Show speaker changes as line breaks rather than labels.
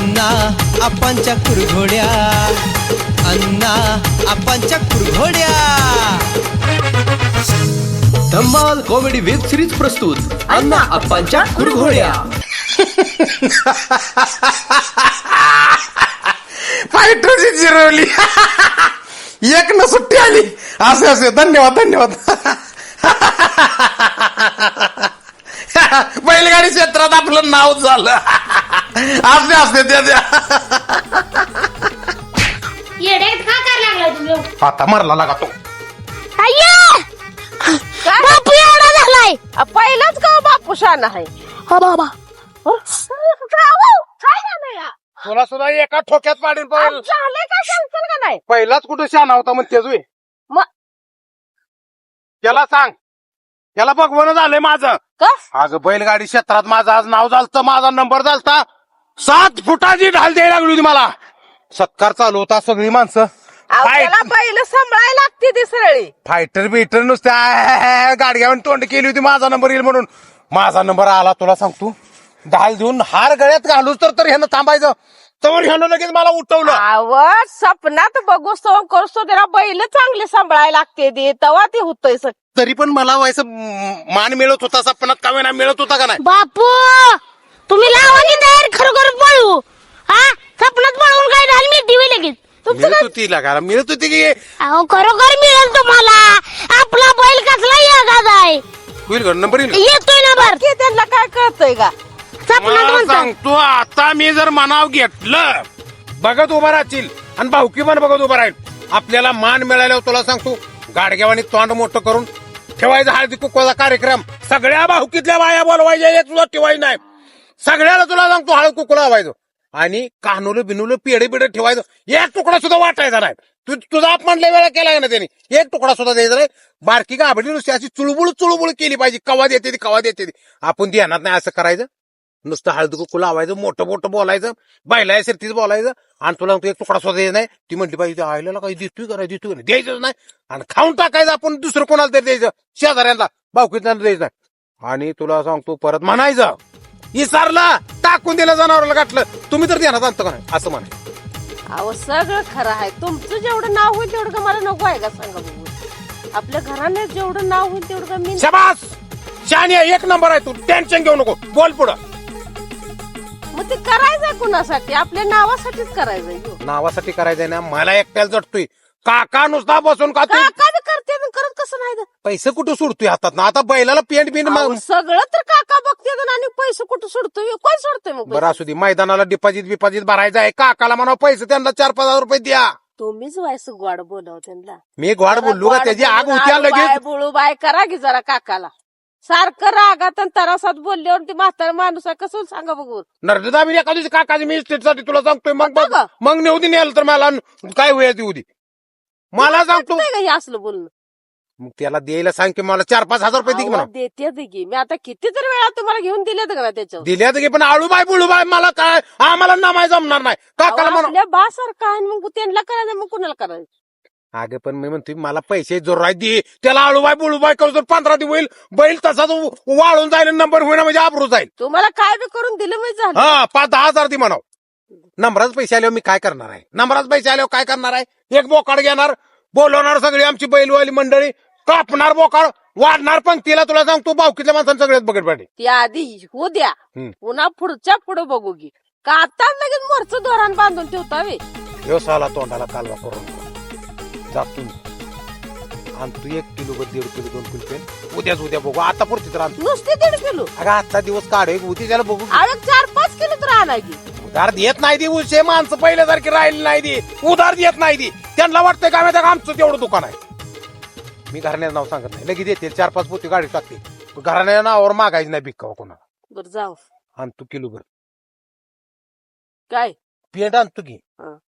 अण्णा आपांच्या कुरघोड्या, अण्णा आपांच्या कुरघोड्या.
धम्माल कॉमेडी वेब सिरीज प्रस्तुत अण्णा आपांच्या कुरघोड्या.
फायटरची जिरवली. एक न सुट्टी आली. असे असे धन्यवाद धन्यवाद. बैलगाडी क्षेत्रात आपलं नाव झालं. असते असते त्या
येड्यात का करायला लागला तुम्ही?
आता मरला लागा तो.
बापू एवढा झालाय.
पहिलाच का बापू शान आहे.
हा बाबा
तुला सुद्धा एका ठोक्यात पाडीन
झालंय का सांगताल का नाही.
पहिलाच कुठं शान होता मग तेच
मग
त्याला सांग. त्याला बघवणं झालंय माझं.
का
अगं बैलगाडी क्षेत्रात माझं आज नाव झालतं. माझा नंबर झालता. 7 फुटाची ढाल द्यायला लागली होती मला. सत्कार चालू होता. सगळी माणसं
त्याला पहिलं सांभाळायला लागते ती सरळी.
फायटर बिटर नुसत्या गाडग्यावर तोंड केली होती माझा नंबर येईल म्हणून. माझा नंबर आला. तुला सांगतो ढाल देऊन हार गळ्यात घालूच तर ह्यानं थांबायचं. तर ह्यानं लगेच मला उठवलं.
आवड सपनात बघूस तो करतो त्याला बैल चांगले सांभाळायला लागते ते तेव्हा ते होतंय सगळं.
तरी पण मला व्हायचं मान मिळत होता. सपनात का वेळा मिळत होता का नाही.
बापू तुम्ही लावा की तयार खरोखर पळू. हा सपनात पळून काय ढाल मी टीव्ही लगेच.
मिळत होती लागायला मिळत होती की
अहो खरोखर मिळेल तुम्हाला. आपला बैल कसला येगाद आहे.
होईल का नंबर येईल.
येतोय ना बर.
की त्यांना काय कळतंय का.
सपनात
मला
म्हणतात
सांगतो आता मी जर मनाव घेतलं बघत उभा राहतील आणि भाऊकी पण बघत उभा राहील. आपल्याला मान मिळाल्यावर तुला सांगतो गाडग्यावानी तोंड मोठं करून ठेवायचा हळदी कुकवाचा कार्यक्रम. सगळ्या भाऊकीतल्या बाया बोलवायच्या. एक तुला ठेवायचं नाही. सगळ्याला तुला सांगतो हळद कुकू लावायचं आणि कानूलं बिनूलं पेढे बिडे ठेवायचं. एक तुकडा सुद्धा वाटायचा नाही. तुझा अपमान लय वेळा केला ना त्यांनी. एक तुकडा सुद्धा द्यायचा नाही. बारकी गाभडी नुसती अशी चुळबुळ केली पाहिजे. कवा देते ती कवा देते ती आपण ध्यानात नाही. असं करायचं नुसतं हळद कुकू लावायचं. मोठं मोठं बोलायचं. बायला सरतीच बोलायचं. आणि तुला एक तुकडा सुद्धा द्यायचा नाही. ती म्हटली पाहिजे आईला काही दिसतोय का नाही दिसतोय नाही द्यायचंच नाही. आणि खाऊन टाकायचं आपण. दुसरं कोणाला तरी द्यायचं. शेजाऱ्यांना भाऊकीतल्या द्यायचं नाही. आणि तुला सांगतो परत म्हणायचं इसारला टाकून दिलं जनावराला गाठलं. तुम्ही तर ध्यानात आणतो का नाही असं म्हणाय.
अहो सगळं खरं आहे. तुमचं जेवढं नाव होईल तेवढं का मला नको आहे का सांगा बघू. आपल्या घराने जेवढं नाव होईल तेवढं का मी.
शाबास शानी एक नंबर आहे. तू टेन्शन घेऊ नको. बोल पुढं.
मग ते करायचंय कुणासाठी. आपल्या नावासाठीच करायचंय.
नावासाठी करायचंय ना. मला एकट्याला जटतोय. काका नुसता बसून का
काय करते करत कसं नाही.
पैसे कुठं सोडतोय हातात ना. आता बैलाला पेंट बिंट
सगळं तर काका बघते आणि पैसे कुठं सोडतोय. कोण सोडतोय मग
बरं असू दे. मैदानाला डिपॉझिट भरायचं आहे. काकाला म्हणा पैसे त्यांना 4-5 हजार रुपये द्या.
तुम्हीच व्हायचं गोड बोलाव त्यांना.
मी गोड बोललो का त्याची आग होत्या लगेच.
बुळू बाय करा की जरा काकाला. सारखं रागात आणि तरासात बोलल्यावर ती म्हातारा माणूस आहे कसं सांगा बघू.
नर्मदा मी एका दिवशी काकाची मी इस्टेटसाठी तुला सांगतोय. मग
होतं का?
मग नेऊ दे नेलं तर मला काय होईल देऊ दे. मला सांगतो
नाही का हे असलं बोलणं.
मग त्याला द्यायला सांग की मला 4-5 हजार रुपये दे की म्हणा.
देते की मी आता किती तर वेळा तुम्हाला घेऊन दिलेत का त्याच्यावर.
दिल्या तर पण आळूबाई बुळूबाई मला काय आम्हाला नामाय जमणार नाही. काकाला म्हणा
आपल्या बा सारखं आहे मग त्यांना करायचं मग कुणाला करायचं.
अगं पण मी म्हणतोय मला पैसे जोरात दे. त्याला आळूबाई बुळूबाई करू तर 15 दिवस होईल. बैल तसाच वाळून जाईल. नंबर होईल म्हणजे आबरू जाईल.
तुम्हाला काय बी करून दिलं म्हणजे झालं.
हा 5-10 हजार दे म्हणाव. नंबराच पैसे आल्यावर मी काय करणार आहे. नंबराच पैसे आल्यावर काय करणार आहे. एक बोकाड घेणार. बोलवणार सगळी आमची बैलवाली मंडळी. कापणार बोकाड. वाढणार पंक्तीला. तुला सांगतो भावकीतल्या माणसांना सगळ्यात बघत पाहिजे.
ती आधी होऊ द्या. पुन्हा पुढच्या पुढे बघू की का आता लगेच मोरचं धोरण बांधून ठेवतावे.
ह्यो साला तोंडाला कालवा करून जातो आणि तू 1 किलो 1.5 किलो 2 किलो पेन उद्या बघू. आता पुरती तर आणतो.
नुसते 1.5 किलो.
अगं आजचा दिवस काढ. उद्या त्याला बघू.
अरे 4-5 किलो तर आणा की.
उधार देत नाही ती. उशे माणसं पहिल्यासारखी राहिली नाही ती. उधार देत नाही ती. त्यांना वाटतंय का माहिती आमचं तेवढं दुकान आहे. मी घराण्याचं नाव सांगत नाही. लगेच येते 4-5 पोती गाडी टाकते. घराण्याच्या नावावर मागायची नाही भिक्कावा कोणाला.
बरं जाऊ.
आणि तू किलो भर
काय
पेंट आणतो की.